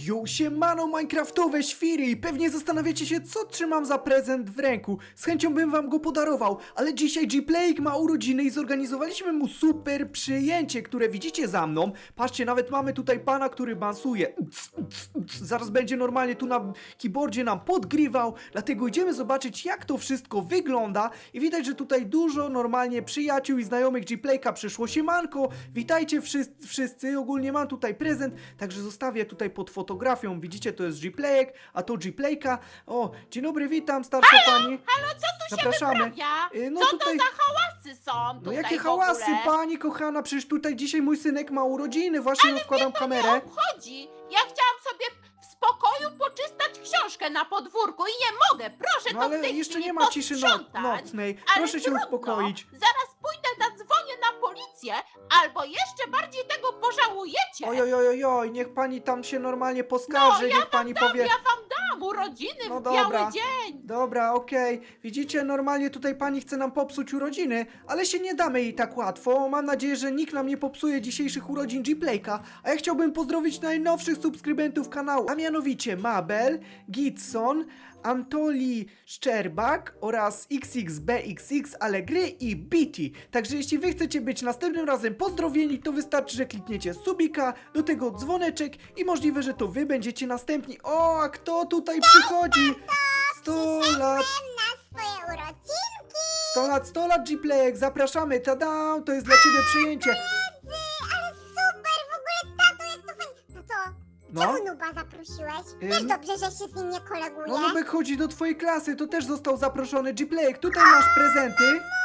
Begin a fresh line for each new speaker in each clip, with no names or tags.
Yo, siemano minecraftowe świry i pewnie zastanawiacie się, co trzymam za prezent w ręku. Z chęcią bym wam go podarował, ale dzisiaj G-Playek ma urodziny i zorganizowaliśmy mu super przyjęcie, które widzicie za mną. Patrzcie, nawet mamy tutaj pana, który bansuje. Zaraz będzie normalnie tu na keyboardzie nam podgrywał, dlatego idziemy zobaczyć, jak to wszystko wygląda. I widać, że tutaj dużo normalnie przyjaciół i znajomych G-Playka przyszło. Siemanko, witajcie wszyscy, ogólnie mam tutaj prezent, także zostawię tutaj pod fotografią. Widzicie, to jest G-Playek, a to G-Playka. O, dzień dobry, witam, starsza pani.
Halo, co tu
Zapraszamy.
się wyprawia?
No
Co
tutaj-
to za hałasy są
No
tutaj
jakie
w
hałasy,
ogóle?
pani kochana, przecież tutaj dzisiaj mój synek ma urodziny, właśnie rozkładam
To
kamerę.
nie obchodzi. Ja chciałam sobie w spokoju poczystać książkę na podwórku i nie mogę. Proszę
No
to w
ale
tej
jeszcze
chwili
nie ma ciszy
posprzątać.
nocnej.
Ale
Proszę się
trudno.
uspokoić.
Zaraz pójdę, zadzwonię na policję, albo jeszcze bardziej tego pożałujecie.
Oj, niech pani tam się normalnie poskarży,
No, ja
niech pani powie.
Ja wam dam urodziny
No
w
dobra.
biały dzień.
Dobra, okej. Widzicie, normalnie tutaj pani chce nam popsuć urodziny, ale się nie damy jej tak łatwo. Mam nadzieję, że nikt nam nie popsuje dzisiejszych urodzin G-Playka. A ja chciałbym pozdrowić najnowszych subskrybentów kanału, a mianowicie Mabel, Gitson, Antoli Szczerbak oraz XXBXX Allegry i Biti. Także jeśli wy chcecie być następnym razem pozdrowieni, to wystarczy, że klikniecie subika, do tego dzwoneczek i możliwe, że to wy będziecie następni. O, a kto tutaj przychodzi? 100 lat!
Na swoje urodzinki!
100 lat G-Playek, zapraszamy, tada, to jest dla ciebie przyjęcie.
Ale super, w ogóle tato, jak to fajnie. Tato,
No,
czemu Nuba zaprosiłeś? Wiesz dobrze, że się z nim nie koleguje?
no Nubek chodzi do twojej klasy, to też został zaproszony G-Playek, tutaj masz prezenty.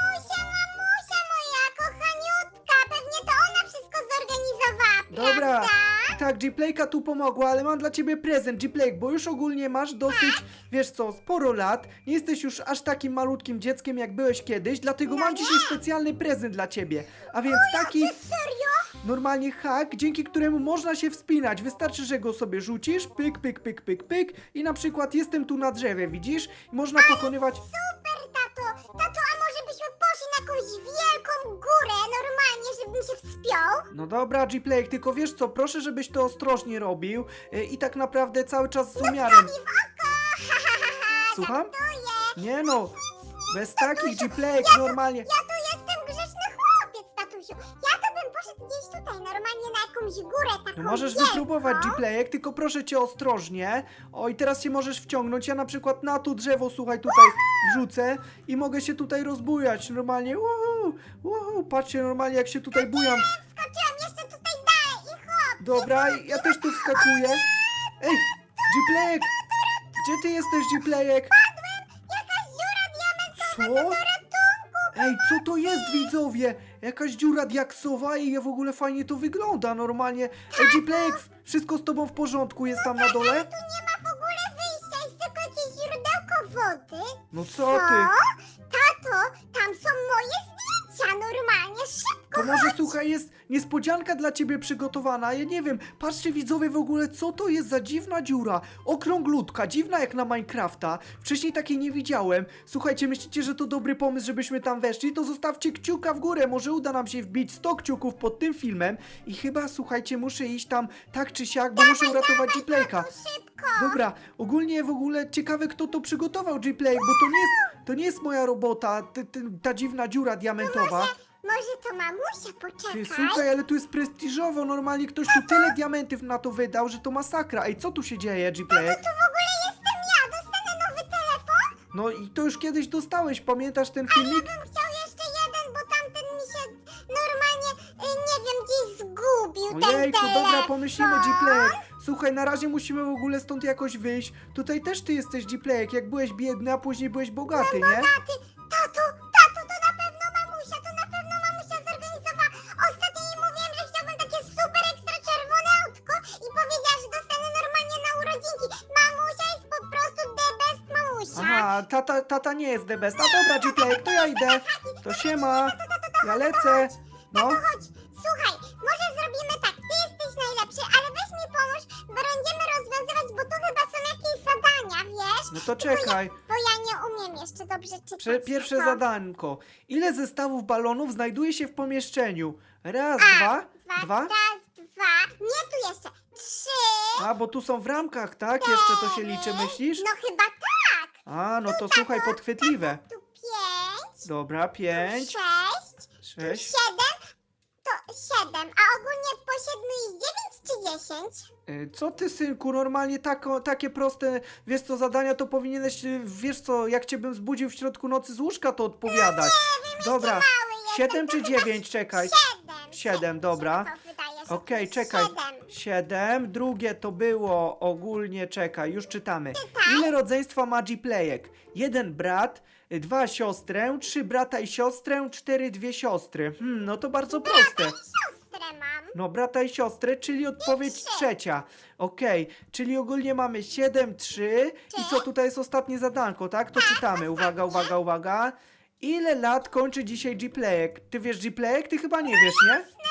Mamusia moja, kochaniutka, pewnie to ona wszystko zorganizowała,
Dobra,
prawda?
tak, G-Playka tu pomogła, ale mam dla ciebie prezent, G-Playk, bo już ogólnie masz dosyć, wiesz co, sporo lat, nie jesteś już aż takim malutkim dzieckiem, jak byłeś kiedyś, dlatego mam dzisiaj specjalny prezent dla ciebie, a więc taki
Serio?
normalnie hak, dzięki któremu można się wspinać, wystarczy, że go sobie rzucisz, pyk, pyk, pyk, pyk, pyk i na przykład jestem tu na drzewie, widzisz? I można pokonywać...
Super, tato. Tato, a może byśmy poszli na jakąś wielką górę, normalnie, żebym się wspiął?
No dobra, G-Playk, tylko wiesz co, proszę, żebyś to ostrożnie robił i tak naprawdę cały czas z umiarem. Słucham? Nie no, bez takich G-Playk normalnie.
Ja tu jestem grzeczny chłopiec, tatusiu. Ja to bym poszedł gdzieś tutaj, normalnie na jakąś górę taką
No możesz
wielką.
wypróbować G-Playek, tylko proszę cię ostrożnie. O i teraz się możesz wciągnąć. Ja na przykład na to drzewo, słuchaj, tutaj wrzucę i mogę się tutaj rozbujać. Normalnie, patrzcie normalnie jak się tutaj bujam.
Skoczyłam jeszcze tutaj dalej i hop.
Dobra, ja też tu wskakuję. Ej, G-Playek! Gdzie ty jesteś, G-Playek?
Jakaś dziura diamentowa.
Co? Ej, co to jest, widzowie? Jakaś dziura diaksowa i w ogóle fajnie to wygląda normalnie. Ej, G-Playek, wszystko z tobą w porządku jest tam na dole?
Tu nie ma w ogóle wyjścia, jest tylko jakieś źródełko wody.
No co ty?
Tato, tam są moje zdjęcia, normalnie, szybko.
To może słuchaj, jest niespodzianka dla ciebie przygotowana. Ja nie wiem, patrzcie widzowie w ogóle, co to jest za dziwna dziura. Okrąglutka, dziwna jak na Minecrafta. Wcześniej takiej nie widziałem. Słuchajcie, myślicie, że to dobry pomysł, żebyśmy tam weszli? To zostawcie kciuka w górę. Może uda nam się wbić 100 kciuków pod tym filmem. I chyba, słuchajcie, muszę iść tam tak czy siak, bo muszę uratować G-Playka.
Szybko.
Dobra, ogólnie w ogóle ciekawe, kto to przygotował, G-Playek, bo to nie jest moja robota, ta dziwna dziura diamentowa.
Może to mamusia, poczekaj.
Ty, słuchaj, ale tu jest prestiżowo, normalnie ktoś tu tyle diamentów na to wydał, że to masakra. Ej, co tu się dzieje, G-Playek?
To w ogóle jestem ja, dostanę nowy telefon?
No i to już kiedyś dostałeś, pamiętasz ten filmik?
Bym chciał jeszcze jeden, bo tamten mi się normalnie, nie wiem, gdzieś zgubił ten
Ojejku,
telefon.
dobra, pomyślimy, G-Playek. Słuchaj, na razie musimy w ogóle stąd jakoś wyjść. Tutaj też ty jesteś, G-Playek, jak byłeś biedny, a później byłeś bogaty, nie?
Tato, to na pewno mamusia zorganizowała. Ostatnio jej mówiłem, że chciałbym takie super ekstra czerwone autko i powiedziała, że dostanę normalnie na urodzinki. Mamusia jest po prostu the best mamusia.
Aha, tata nie jest the best. A dobra, G-Playek, to ja idę. To siema, ja lecę. No.
Chodź, słuchaj, może zrobimy tak, ty jesteś najlepszy, ale weź mi pomóż, bo będziemy rozwiązywać, bo tu chyba są jakieś zadania, wiesz?
No to czekaj.
Bo ja nie umiem jeszcze dobrze czytać.
Pierwsze
to.
zadanko. Ile zestawów balonów znajduje się w pomieszczeniu? Raz, dwa.
Raz, dwa. Nie, tu jeszcze. 3,
A, bo tu są w ramkach, tak? Jeszcze to się liczy, myślisz?
No chyba tak.
A, no to słuchaj, podchwytliwe.
Tu 5,
Dobra, 5,
6,
6.
7, to 7. A ogólnie po 7 jest 9 czy 10?
Co ty, synku, normalnie takie proste, wiesz co, zadania to powinieneś, wiesz co, jak cię bym zbudził w środku nocy z łóżka, to odpowiadać. Dobra,
Mały jestem,
7
to
czy
chyba
9, czekaj.
7.
7, dobra.
To wydaje się,
Okej,
to
czekaj.
7.
7, drugie to było ogólnie, czekaj, już czytamy. Ile rodzeństwa ma Gplayek? 1 brat, 2 siostrę, 3 brata i siostrę, 4 dwie siostry. No to bardzo proste.
Siostrę mam.
No, brata i siostrę, czyli odpowiedź trzecia. Okej, czyli ogólnie mamy 7, 3 i co, tutaj jest ostatnie zadanko, tak? To czytamy, uwaga, uwaga, uwaga. Ile lat kończy dzisiaj Gplayek? Ty wiesz Gplayek? Ty chyba nie wiesz, nie?
18,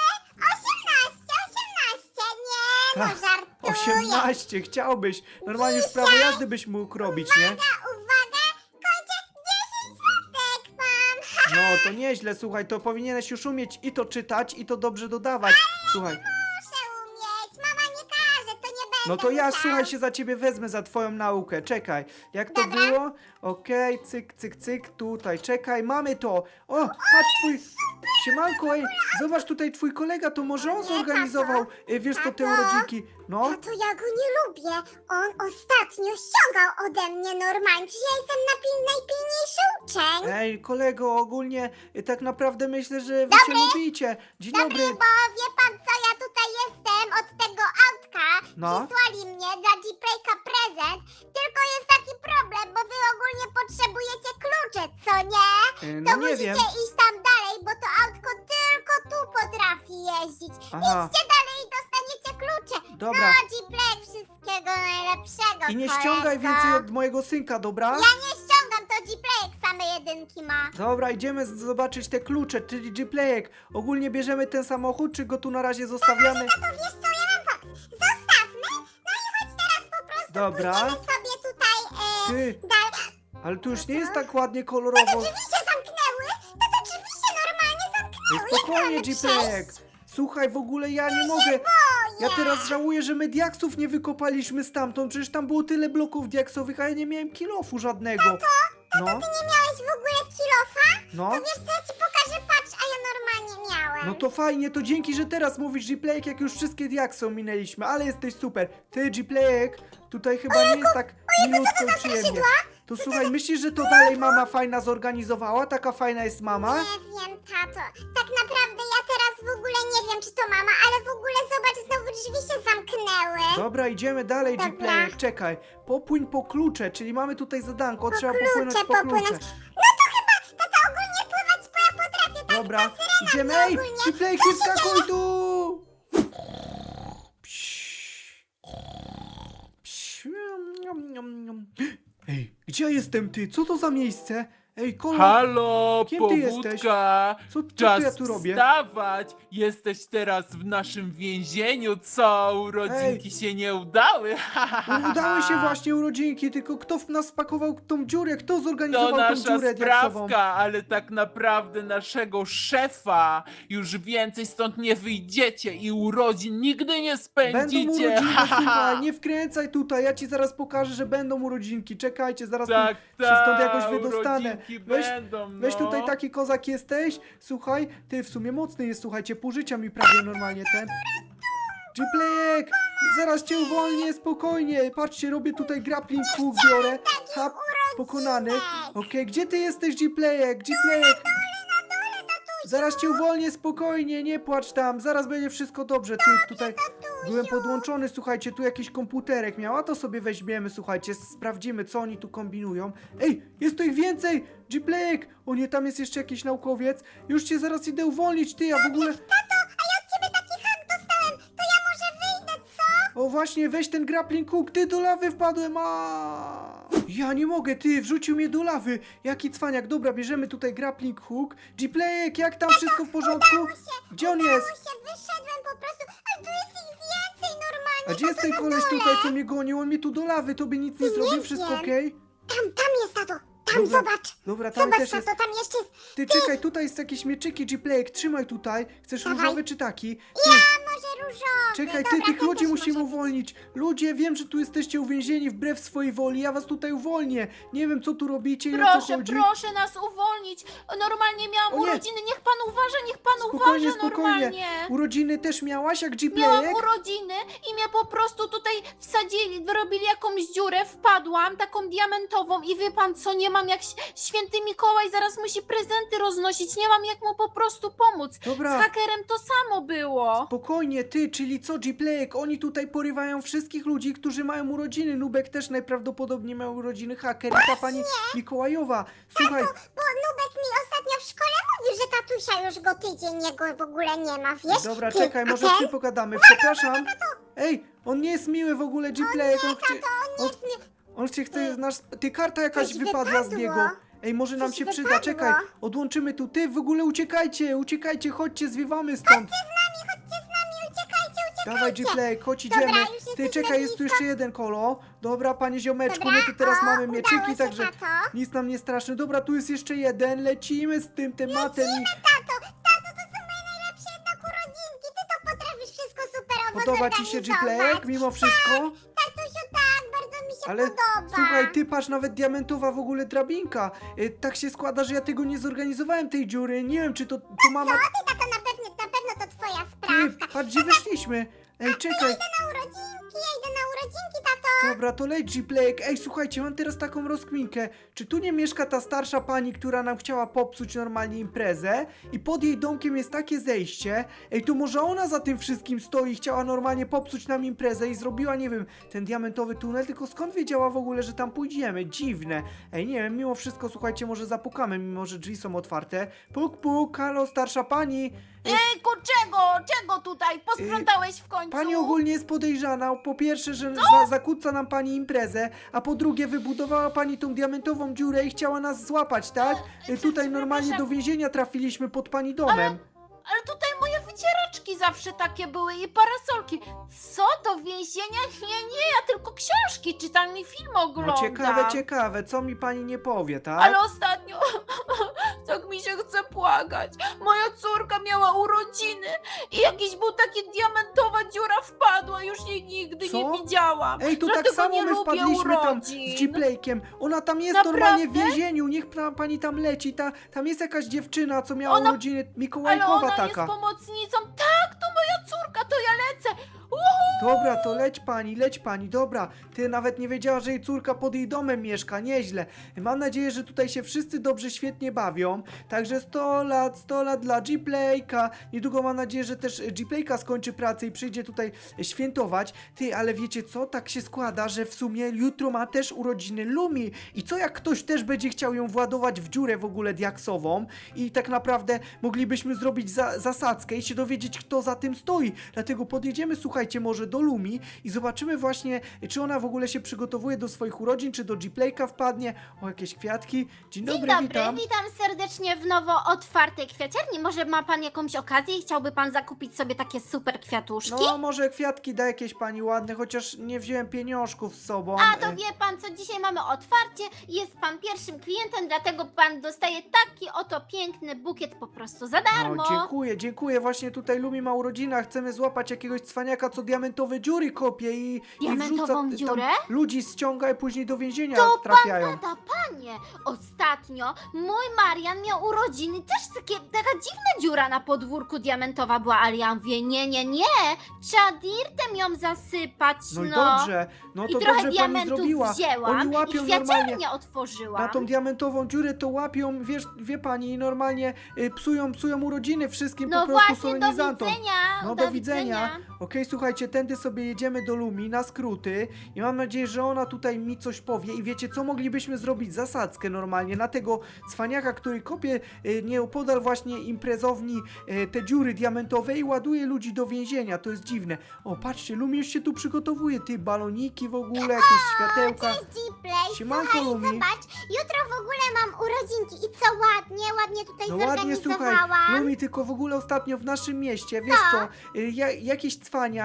nie, no
Tak,
żartuję.
18, chciałbyś. Normalnie już prawo jazdy byś mógł robić, nie?
Uwaga, kończę 10 złotek mam.
No, to nieźle, słuchaj, to powinieneś już umieć i to czytać, i to dobrze dodawać. Słuchaj,
Muszę umieć, mama nie każe, to nie będę
no to ja,
musiał.
słuchaj, się za ciebie wezmę za twoją naukę. Czekaj, jak to
Dobra.
było? Okej, cyk, cyk, cyk, tutaj, czekaj, mamy to. O, patrz, twój... Siemanko, ej, zobacz tutaj twój kolega, to może on
Nie,
zorganizował, wiesz co, te
tato.
urodzinki. No,
Tato, ja go nie lubię. On ostatnio ściągał ode mnie normalnie. Przecież ja jestem najpilniejszy uczeń.
ej, kolego, ogólnie tak naprawdę myślę, że wy się lubicie. Dzień dobry.
Bo wie pan co, ja tutaj jestem od tego autka.
No.
Przysłali mnie dla Gplayka prezent. Tylko jest taki problem, bo wy ogólnie potrzebujecie klucze, co nie?
No
To
nie
musicie
wiem.
iść tam dalej, bo to autko tylko tu potrafi jeździć.
Aha.
Idźcie dalej i dostaniecie klucze.
Dobra.
No, Gplayk, wszystkiego najlepszego,
I nie
kolego.
ściągaj więcej od mojego synka, dobra?
Ja nie ściągam, to Gplayk same jedynki ma.
Dobra, idziemy zobaczyć te klucze, czyli Gplayek. Ogólnie bierzemy ten samochód, czy go tu na razie zostawiamy?
To wiesz co, ja mam pomysł. Zostawmy, no i chodź teraz po prostu
Dobra.
pójdziemy sobie tutaj
Ty,
dalej.
ale tu już nie jest tak ładnie kolorowo.
Drzwi się zamknęły, to drzwi się normalnie zamknęły. Jak
Spokojnie,
mamy
Gplayek.
przejść?
Słuchaj, w ogóle ja nie mogę.
Boję.
Ja teraz żałuję, że my diaksów nie wykopaliśmy stamtąd. Przecież tam było tyle bloków diaksowych, a ja nie miałem kilofu żadnego. No,
Ty nie miałeś w ogóle kilofa?
no.
To wiesz co, ja ci pokażę, patrz, a ja normalnie miałem.
No to fajnie, to dzięki, że teraz mówisz Gplayek, jak już wszystkie diaksy ominęliśmy, ale jesteś super. Ty, Gplayek, tutaj chyba nie jest tak milutko i przyjemnie. To słuchaj, myślisz, że to dalej mama fajna zorganizowała? Taka fajna jest mama?
Nie wiem, tato. Tak naprawdę ja teraz w ogóle nie wiem, czy to mama, ale w ogóle zobacz, znowu drzwi się zamknęły.
Dobra, idziemy dalej,
Dobra.
Gplayek, czekaj. Popłyń po klucze, czyli mamy tutaj zadanko, trzeba popłynąć po
popłynąć.
klucze.
No to chyba, tata, ogólnie pływać, bo ja potrafię tak.
Dobra, idziemy, ej,
ogólnie.
Gplayek, nie skakuj tu! Ej, gdzie ja jestem, ty? Co to za miejsce? Ej, Kolo,
Halo,
Kim ty jesteś?
pobudka!
Co
Czas
ja tu robię?
wstawać! Jesteś teraz w naszym więzieniu, co? Urodzinki się nie udały?
Udały się właśnie urodzinki, tylko kto w nas spakował tą dziurę? Kto
To
zorganizował tą
nasza
dziurę diaksową?
sprawka, ale tak naprawdę naszego szefa. Już więcej stąd nie wyjdziecie i urodzin nigdy nie
Będą
spędzicie.
urodzinki, słuchaj, nie wkręcaj tutaj, ja ci zaraz pokażę, że będą urodzinki. Czekajcie, zaraz
Tak,
tu się stąd jakoś
tak,
wydostanę.
urodzinki
Weź,
będą, no.
weź tutaj taki kozak jesteś, słuchaj, ty w sumie mocny jest, słuchajcie, pół życia mi prawie normalnie ten. Gplayek, zaraz cię uwolnię, spokojnie, patrzcie, robię tutaj grappling hook, biorę, hap, pokonany. Okej, gdzie ty jesteś, Gplayek, Gplayek? Zaraz cię uwolnię, spokojnie, nie płacz tam, zaraz będzie wszystko dobrze, ty tutaj byłem podłączony, słuchajcie, tu jakiś komputerek miał, a to sobie weźmiemy, słuchajcie, sprawdzimy, co oni tu kombinują. Ej, jest tu ich więcej, Gplayek, o nie, tam jest jeszcze jakiś naukowiec, już cię zaraz idę uwolnić, ty, ja w ogóle...
Ciebie taki hak dostałem, to ja może wyjdę, co?
O właśnie, weź ten grappling hook, ty, do lawy wpadłem, a ja nie mogę, ty, wrzucił mnie do lawy, jaki cwaniak, dobra, bierzemy tutaj grappling hook, Gplayek, jak tam, wszystko w porządku? Gdzie on jest?
Się wyszedłem po prostu, ale tu jest ich więcej normalnie.
A gdzie jest ten
tato, na
koleś
dole.
tutaj, co mnie gonił? On mnie tu do lawy, tobie nic nie zrobił, wszystko
wiem.
okej?
Tam jest, tato, Tam zobacz.
Dobra, tam
Zobacz,
też jest.
tato, tam jeszcze jest.
Ty, czekaj, tutaj jest jakieś mieczyki, G-Playek, trzymaj tutaj. Chcesz
Dawaj.
różowy czy taki? Ty,
A może różowy?
czekaj,
Dobra,
tych
ten
ludzi
też
musimy
może być.
uwolnić. Ludzie, wiem, że tu jesteście uwięzieni wbrew swojej woli, ja was tutaj uwolnię. Nie wiem, co tu robicie i o co
Proszę,
chodzi.
proszę nas uwolnić. Normalnie miałam
O nie.
urodziny, niech pan uważa, niech pan
Spokojnie,
uważa
spokojnie.
normalnie.
Urodziny też miałaś, jak
Miałam
G-Playek?
urodziny i mnie po prostu tutaj wsadzili, wyrobili jakąś dziurę, wpadłam, taką diamentową i wie pan co, nie mam jak święty Mikołaj zaraz musi prezenty roznosić, nie mam jak mu po prostu pomóc.
Dobra.
Z hakerem to samo było.
Spokojnie, ty, czyli co, G-Playek? Oni tutaj porywają wszystkich ludzi, którzy mają urodziny. Nubek też najprawdopodobniej miał urodziny, haker i ta pani Mikołajowa. Słuchaj,
Bo Nubek mi ostatnio w szkole mówił, że tatusia już go tydzień jego w ogóle nie ma, wiesz?
dobra,
Ty,
czekaj,
a
może
ten?
z tym pogadamy. Przepraszam. Ej, on nie jest miły w ogóle, G-Playek. On się chce nas... Ty, karta jakaś
Coś
wypadła z
wypadło.
niego. Ej, może nam
Coś
się przyda,
wypadło.
czekaj. Odłączymy tu. Ty, w ogóle uciekajcie, uciekajcie, chodźcie, zwiewamy stąd.
Chodźcie z nami, uciekajcie.
Dawaj, G-Playek, chodź,
Dobra,
idziemy.
już
Ty,
jesteśmy
czekaj, jest tu
blisko.
jeszcze jeden kolo. Dobra, panie ziomeczku,
Dobra,
my tu teraz
o,
mamy
udało
mieczyki,
się,
także
tato.
nic nam nie straszne. Dobra, tu jest jeszcze jeden, lecimy z tym tematem.
Tato, to są moje najlepsze jednak urodzinki. Ty to potrafisz wszystko superowo
Podoba ci się
zorganizować.
G-Playek mimo wszystko?
Tatusiu, tak, bardzo mi się
Ale
podoba.
słuchaj, ty patrz, nawet diamentowa w ogóle drabinka. Tak się składa, że ja tego nie zorganizowałem, tej dziury. Nie wiem, czy to mama...
Co ty, tato, na pewno to twoja
Ty,
sprawka.
patrz, gdzie weszliśmy. Ej, czekaj.
Ja idę na urodzinki, tato.
Dobra, to leć G-Playek. Ej, słuchajcie, mam teraz taką rozkminkę. Czy tu nie mieszka ta starsza pani, która nam chciała popsuć normalnie imprezę? I pod jej domkiem jest takie zejście. Ej, to może ona za tym wszystkim stoi i chciała normalnie popsuć nam imprezę i zrobiła, nie wiem, ten diamentowy tunel, tylko skąd wiedziała w ogóle, że tam pójdziemy? Dziwne. Ej, nie wiem, mimo wszystko, słuchajcie, może zapukamy, mimo że drzwi są otwarte. Puk, puk, halo, starsza pani.
Ejku, czego tutaj? Posprzątałeś w końcu?
Pani ogólnie jest podejrzana. Po pierwsze, że zakłóca nam pani imprezę, a po drugie wybudowała pani tą diamentową dziurę i chciała nas złapać, tak? Tutaj normalnie do więzienia trafiliśmy pod pani domem.
Ale tutaj moje wycieraczki zawsze takie były i parasolki. Co, do więzienia? Nie, ja tylko książki czytam i film oglądam.
No ciekawe, co mi pani nie powie, tak?
Ale ostatnio tak mi się chce płakać. Moja córka miała urodziny i jakiś był taki diamentowa dziura wpadła. Już jej nigdy
Co?
nie widziałam.
Ej, to
Dlatego
tak samo
nie
my
lubię
wpadliśmy tam
urodzin.
z G-Playkiem. Ona tam jest
Naprawdę?
normalnie w więzieniu, niech pani tam leci. Tam jest jakaś dziewczyna, co miała
Ona-
urodziny,
Ale
Mikołajkowa
ona
taka.
jest pomocnicą. Tak, to moja córka, to ja lecę.
Dobra, to leć pani, dobra. Ty nawet nie wiedziała, że jej córka pod jej domem mieszka, nieźle. Mam nadzieję, że tutaj się wszyscy dobrze, świetnie bawią. Także 100 lat dla G-Playka. Niedługo mam nadzieję, że też G-Playka skończy pracę i przyjdzie tutaj świętować. Ty, ale wiecie co? Tak się składa, że w sumie jutro ma też urodziny Lumi. I co jak ktoś też będzie chciał ją władować w dziurę w ogóle diaksową i tak naprawdę moglibyśmy zrobić zasadzkę i się dowiedzieć, kto za tym stoi. Dlatego podjedziemy, słuchajcie, może do Lumi i zobaczymy właśnie, czy ona w ogóle się przygotowuje do swoich urodzin, czy do G-Playka wpadnie. O, jakieś kwiatki. Dzień dobry, witam.
Witam serdecznie w nowo otwartej kwiaciarni. Może ma pan jakąś okazję i chciałby pan zakupić sobie takie super kwiatuszki?
No, może kwiatki da jakieś pani ładne, chociaż nie wziąłem pieniążków z sobą.
A to wie pan co, dzisiaj mamy otwarcie, jest pan pierwszym klientem, dlatego pan dostaje taki oto piękny bukiet po prostu za darmo.
No, dziękuję. Właśnie tutaj Lumi ma urodziny, chcemy złapać jakiegoś cwaniaka, co diamentowe dziury kopie i
Diamentową
wrzuca,
dziurę?
Tam ludzi ściąga i później do więzienia
To
trafiają.
Gada, panie, ostatnio mój Marian miał urodziny, też taka dziwna dziura na podwórku diamentowa była, ale ja mówię, nie, trzeba dirtem ją zasypać,
No i dobrze, no
I
to
trochę
dobrze pani
diamentów
zrobiła.
wzięłam
Oni
i
łapią normalnie
kwiaciarnię otworzyłam.
na tą diamentową dziurę, to łapią, wie pani, i normalnie psują urodziny wszystkim
No
po prostu
właśnie, do
solenizantom.
widzenia.
No do widzenia. Okej, słuchajcie, tędy sobie jedziemy do Lumi na skróty i mam nadzieję, że ona tutaj mi coś powie i wiecie co, moglibyśmy zrobić zasadzkę normalnie na tego cwaniaka, który kopie nieopodal właśnie imprezowni te dziury diamentowe i ładuje ludzi do więzienia, to jest dziwne. O, patrzcie, Lumi już się tu przygotowuje, ty, baloniki w ogóle, jakieś światełka.
Cześć, G-Play.
Siemanko,
Słuchaj,
Lumi.
zobacz, jutro w ogóle mam urodzinki i co ładnie tutaj
No ładnie, słuchaj,
zorganizowałam.
Lumi, tylko w ogóle ostatnio w naszym mieście, wiesz co, jakiś cwaniak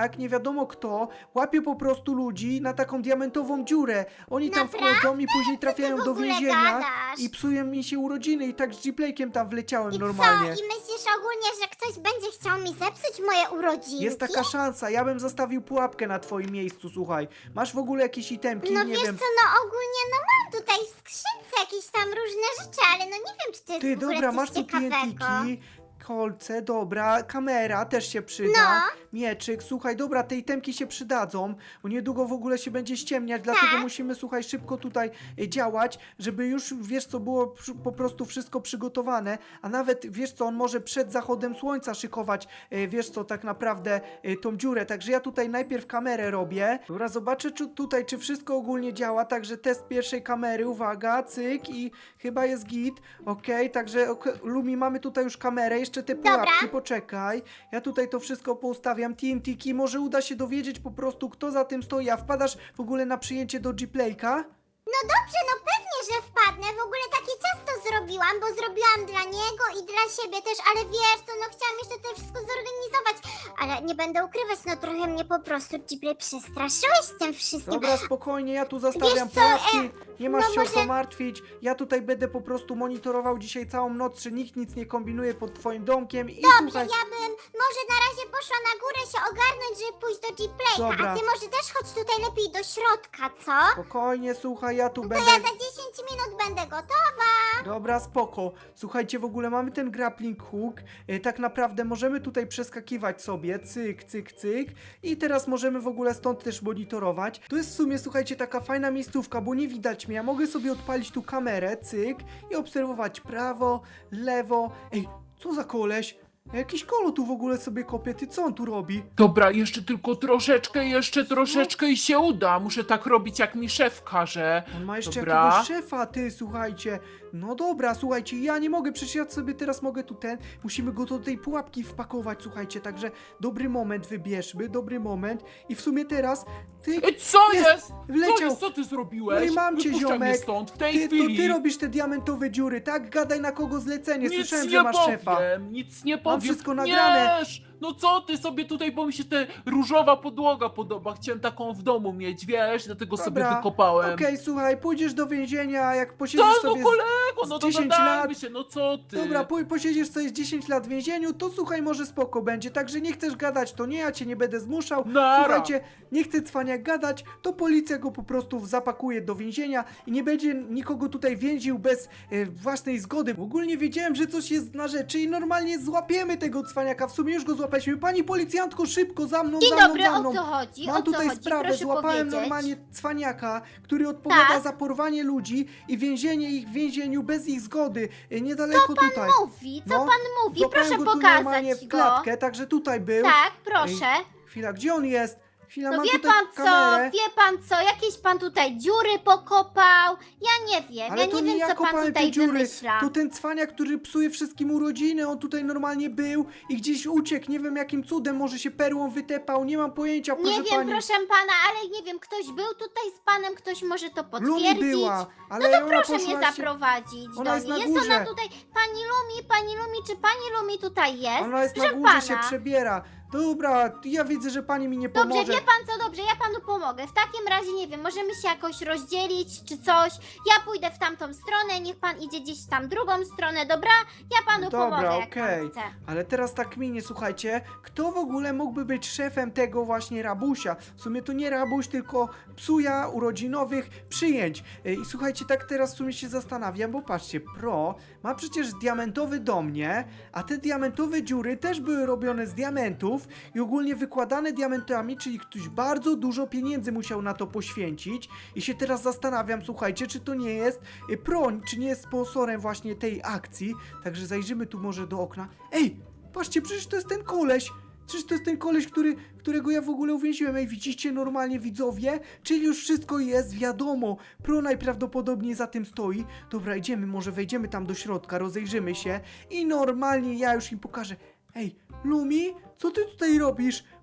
cwaniak, nie wiadomo kto, łapie po prostu ludzi na taką diamentową dziurę. Oni tam
Naprawdę?
wchodzą i później trafiają
w
do
ogóle
więzienia
gadasz?
i psują mi się urodziny i tak z G-Playkiem tam wleciałem
I
normalnie.
co? I myślisz ogólnie, że ktoś będzie chciał mi zepsuć moje urodzinki?
Jest taka szansa, ja bym zostawił pułapkę na twoim miejscu, słuchaj. Masz w ogóle jakieś itemki,
No
nie
wiesz
wiem.
co, no ogólnie no mam tutaj w skrzynce jakieś tam różne rzeczy, ale no nie wiem, czy to jest
Ty,
w ogóle
dobra,
coś
masz tu
ciekawego.
TNT-ki, kolce, dobra, kamera też się przyda, mieczyk, słuchaj, dobra, te itemki się przydadzą, bo niedługo w ogóle się będzie ściemniać, dlatego
Tak.
musimy, słuchaj, szybko tutaj działać, żeby już, wiesz co, było po prostu wszystko przygotowane, a nawet, wiesz co, on może przed zachodem słońca szykować, wiesz co, tak naprawdę tą dziurę, także ja tutaj najpierw kamerę robię, dobra, zobaczę tutaj, czy wszystko ogólnie działa, także test pierwszej kamery, uwaga, cyk i chyba jest git, okej, także Lumi, mamy tutaj już kamerę, jeszcze te
Dobra.
pułapki, poczekaj. Ja tutaj to wszystko poustawiam. TNT-ki, może uda się dowiedzieć po prostu, kto za tym stoi. A wpadasz w ogóle na przyjęcie do G-Playka?
No dobrze, no pewnie, że wpadnę. W ogóle takie ciasto zrobiłam, bo zrobiłam dla niego i dla siebie też, ale wiesz co, no chciałam jeszcze to wszystko zorganizować. Ale nie będę ukrywać, no trochę mnie po prostu Ghibli przestraszyłeś z tym wszystkim.
Dobra, spokojnie, ja tu zostawiam
Wiesz co,
pułapki. Nie masz
no
się o
może-
co martwić. Ja tutaj będę po prostu monitorował dzisiaj całą noc, czy nikt nic nie kombinuje pod twoim domkiem. I
Dobrze,
słuchaj,
ja bym może na razie poszła na górę się ogarnąć, żeby pójść do G-Playka,
Dobra.
a ty może też chodź tutaj lepiej do środka, co?
spokojnie, słuchaj, ja tu
To
będę...
ja za 10 minut będę gotowa.
Dobra, spoko. Słuchajcie, w ogóle mamy ten grappling hook. Tak naprawdę możemy tutaj przeskakiwać sobie. Cyk, cyk, cyk. I teraz możemy w ogóle stąd też monitorować. To jest w sumie, słuchajcie, taka fajna miejscówka, bo nie widać mnie. Ja mogę sobie odpalić tu kamerę, cyk, i obserwować prawo, lewo. Ej, co za koleś? Jakiś kolo tu w ogóle sobie kopie. Ty co on tu robi?
Dobra, jeszcze tylko troszeczkę, jeszcze troszeczkę i się uda. Muszę tak robić, jak mi szef każe.
On ma jeszcze
Dobra.
jakiegoś szefa, ty, słuchajcie. No dobra, słuchajcie, ja nie mogę, przecież ja sobie teraz mogę tu musimy go do tej pułapki wpakować, słuchajcie, także dobry moment wybierzmy, dobry moment i w sumie teraz, ty,
Ej, co
Jest!
jest?
Wleciał!
Co jest? Co ty zrobiłeś?
No i mam cię,
Wypuszczaj mnie
ziomek.
stąd, w tej
ty, to
chwili.
ty robisz te diamentowe dziury, tak? Gadaj na kogo zlecenie,
Nic
słyszałem,
nie
że masz
powiem,
szefa.
nic nie powiem.
wszystko nagrane.
Wiesz, no co ty sobie tutaj, bo mi się ta różowa podłoga podoba. Chciałem taką w domu mieć, wiesz, dlatego sobie
Dobra,
wykopałem.
Okej, słuchaj, pójdziesz do więzienia, jak posiedzisz
Tak, no
sobie...
kolego, no to
10
dogadajmy
lat.
się, no co ty?
Dobra, posiedziesz sobie z 10 lat w więzieniu, to słuchaj, może spoko będzie. Także nie chcesz gadać, to nie, ja cię nie będę zmuszał.
Nara.
Słuchajcie, nie chce cwaniak gadać, to policja go po prostu zapakuje do więzienia i nie będzie nikogo tutaj więził bez własnej zgody. Ogólnie wiedziałem, że coś jest na rzeczy i normalnie złapiemy tego cwaniaka. W sumie już go złapaliśmy. Pani policjantko, szybko, za mną,
Dzień
za mną,
dobry,
za
o
mną.
co chodzi?
Mam
O co
tutaj
chodzi?
sprawę,
Proszę
złapałem
powiedzieć.
normalnie cwaniaka, który odpowiada
Tak.
za porwanie ludzi i więzienie ich w więzieniu bez ich zgody. Niedaleko tutaj.
Mówi, co
No,
pan mówi?
Złapałem
Proszę
go tu normalnie
pokazać
w
go.
klatkę, także tutaj był.
Tak, proszę.
Chwila, gdzie on jest? Chwila,
No
mam
wie
tutaj
pan co,
kamerę.
jakieś pan tutaj dziury pokopał? Ja nie wiem,
Ale
ja
to
nie
nie
wiem
ja
co pan
kopałem
tutaj
te dziury,
wymyśla.
to ten cwaniak, który psuje wszystkim urodziny, on tutaj normalnie był i gdzieś uciekł, nie wiem jakim cudem, może się perłą wytepał, nie mam pojęcia, proszę
Nie wiem,
pani.
proszę pana, ale nie wiem, ktoś był tutaj z panem, ktoś może to
Lumi
potwierdzić.
była, ale
No to
ona
proszę
poszła
mnie
się...
zaprowadzić
Ona
do
jest
niej.
na
Jest ona
górze.
tutaj, pani Lumi, czy pani Lumi tutaj jest?
Ona jest na
Proszę
górze,
pana.
się przebiera. Dobra, ja widzę, że pani mi nie
Dobrze,
pomoże.
wie pan co, dobrze, ja panu pomogę. W takim razie, nie wiem, możemy się jakoś rozdzielić, czy coś. Ja pójdę w tamtą stronę, niech pan idzie gdzieś tam drugą stronę, dobra? Ja panu
Dobra,
pomogę, jak
okej.
pan chce.
Ale teraz tak minie, słuchajcie, kto w ogóle mógłby być szefem tego właśnie rabusia? W sumie to nie rabuś, tylko psuja urodzinowych przyjęć. I słuchajcie, tak teraz w sumie się zastanawiam, bo patrzcie, Pro ma przecież diamentowy dom, nie? A te diamentowe dziury też były robione z diamentów i ogólnie wykładane diamentami, czyli ktoś bardzo dużo pieniędzy musiał na to poświęcić. I się teraz zastanawiam, słuchajcie, czy to nie jest Pro, czy nie jest sponsorem właśnie tej akcji. Także zajrzymy tu może do okna. Ej, patrzcie, przecież to jest ten koleś. Przecież to jest ten koleś, którego ja w ogóle uwięziłem. Ej, widzicie normalnie, widzowie? Czyli już wszystko jest wiadomo. Pro najprawdopodobniej za tym stoi. Dobra, idziemy, może wejdziemy tam do środka, rozejrzymy się i normalnie ja już im pokażę. Ej, Lumi, co ty tutaj robisz?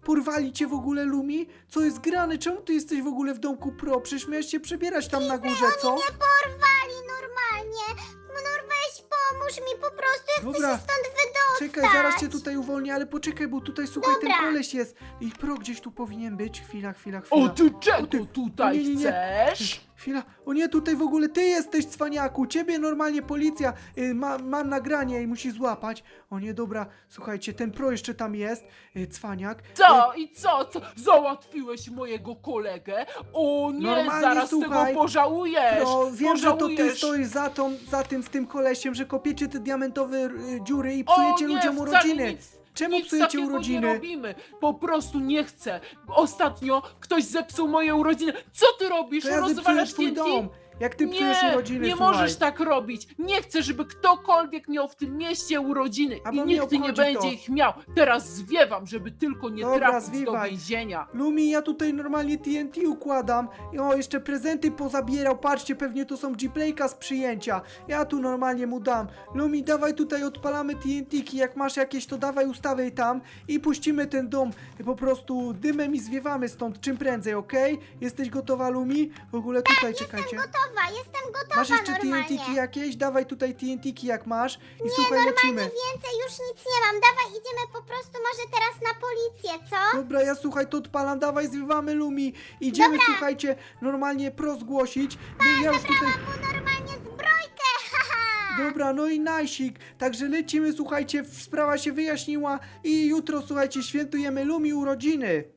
Porwali cię w ogóle, Lumi? Co jest grane? Czemu ty jesteś w ogóle w domku Pro? Przecież miałeś się przebierać tam na górze, co?
Mnie porwali normalnie. Weź pomóż mi po prostu, ja chcę
Dobra.
się stąd wydostać.
Czekaj, zaraz cię tutaj uwolnię, ale poczekaj, bo tutaj, słuchaj, ten
Dobra.
koleś jest. I Pro gdzieś tu powinien być. Chwila.
O, ty
O,
czego
ty-
tutaj
nie.
chcesz?
Chwila, o nie, tutaj w ogóle ty jesteś, cwaniaku, ciebie normalnie policja ma nagranie i musi złapać. O nie, dobra, słuchajcie, ten Pro jeszcze tam jest, cwaniak.
Co? I co? Załatwiłeś mojego kolegę? O nie,
Normalnie,
zaraz
słuchaj,
tego pożałujesz!
No, wiem, że to ty
Pożałujesz.
stoisz za tym, z tym kolesiem, że kopiecie te diamentowe dziury i
O
psujecie
nie,
ludziom
wcale
urodziny.
Nic,
Czemu
nic
psujecie
takiego
urodziny?
Nie robimy. Po prostu nie chcę. Ostatnio ktoś zepsuł moje urodziny. Co ty robisz?
To ja zepsuję
Rozwalasz
twój
TNT?
dom. Jak ty psujesz
Nie,
urodziny,
nie
słuchaj.
możesz tak robić. Nie chcę, żeby ktokolwiek miał w tym mieście urodziny
A
i
bo mnie
nikt nie
obchodzi
będzie
to.
ich miał. Teraz zwiewam, żeby tylko nie
Dobra,
trafić do
zwiewaj.
więzienia.
Lumi, ja tutaj normalnie TNT układam. I o, jeszcze prezenty pozabierał. Patrzcie, pewnie to są G-Playka z przyjęcia. Ja tu normalnie mu dam. Lumi, dawaj tutaj odpalamy TNT-ki. Jak masz jakieś, to dawaj ustawiaj tam i puścimy ten dom po prostu dymem i zwiewamy stąd czym prędzej, okej? Jesteś gotowa, Lumi? W ogóle tutaj czekajcie.
Jestem gotowa
Masz jeszcze
normalnie.
TNT-ki jakieś? Dawaj tutaj TNT-ki jak masz. I słuchaj, lecimy.
Więcej już nic nie mam. Dawaj, idziemy po prostu może teraz na policję, co?
Dobra, ja słuchaj, to odpalam, dawaj, zwiewamy Lumi. Idziemy, słuchajcie, normalnie pro zgłosić. Ja już tutaj...
Bo normalnie zbrojkę, haha.
Dobra, no i najsik. Także lecimy, słuchajcie, sprawa się wyjaśniła i jutro, słuchajcie, świętujemy Lumi urodziny.